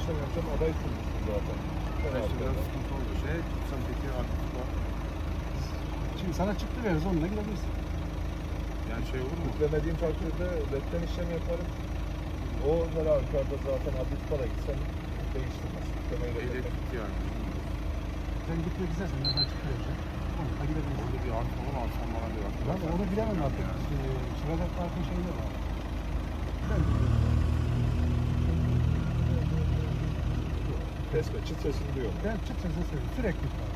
sene önce aday kurmuşsun zaten. İşte biraz sıkıntı oldu. Sen peki aktif var. Şimdi sana çıktı veririz, onunla gidebilirsin. Yani şey olur mu? Yüklemediğim takdirde redden işlem yaparım. O her halükarda zaten adli para gitsen değiştirmez. Yüklemeyi Ehliyet reddetmek. gitti yani. Sen gitmek istersen ben çıktı vereceğim. Onunla gidebilirsin. Orada bir artı falan alsam bana bir artı. Ben onu bilemem artık. Çıkacak farklı şeyler var. Ben bilmiyorum. Kesme, çıt sesini duyuyorum. Ben çıt sesle söylüyorum. Sürekli var.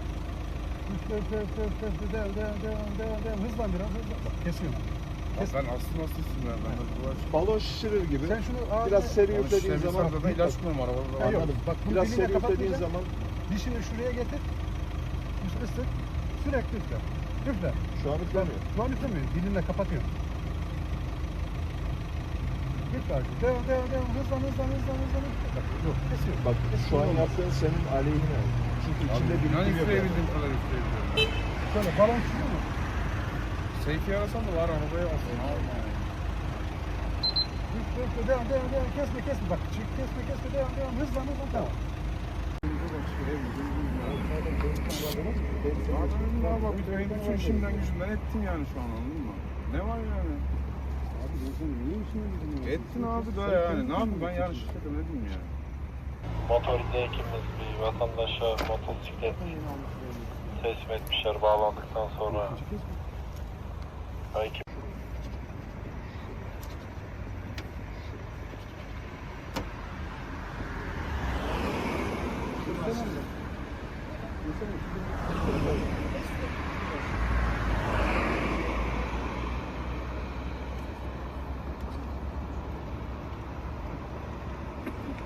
Devam. Hızlan biraz, hızlan. Bak kesiyorum. Bak ben aslında nasıl isim ver? Ben de bu Balon şişirir gibi. Sen şunu biraz seri üflediğin zaman da ilaç koyuyorum arabada. Ha, yok. anladım. Bak, bunu Biraz diline seri üflediğin kapatmayacaksın. zaman Dişini şuraya getir. Isıt. Sürekli üfle. Üfle. şu an üflemiyor. Şu an üflemiyor. Dilinle kapatıyorum. Git bak. Devam. Hızlan. Bak, yok. Kesiyorum. Bak şu an yaptığın senin aleyhine. Çünkü içinde Ben birikim yok. üfleyebildiğim kadar üfleyebiliyorum. Şöyle balon çıkıyor mu? Seyfi'yi arasam da var arabaya alsın. Üfle. Devam. Kesme. Bak çık. Kesme. Devam. Hızlan. Tamam. Abi bir de bütün işimden gücümden ettin yani şu an, anladın mı? Ne var yani? Abi ben sana niye işine gidiyorum? Ettin abi da yani. Ne yapayım ben yani şirkete ne diyeyim yani? Motorcu ekibimiz bir vatandaşa motosiklet teslim etmişler bağlandıktan sonra. Ekip Mesela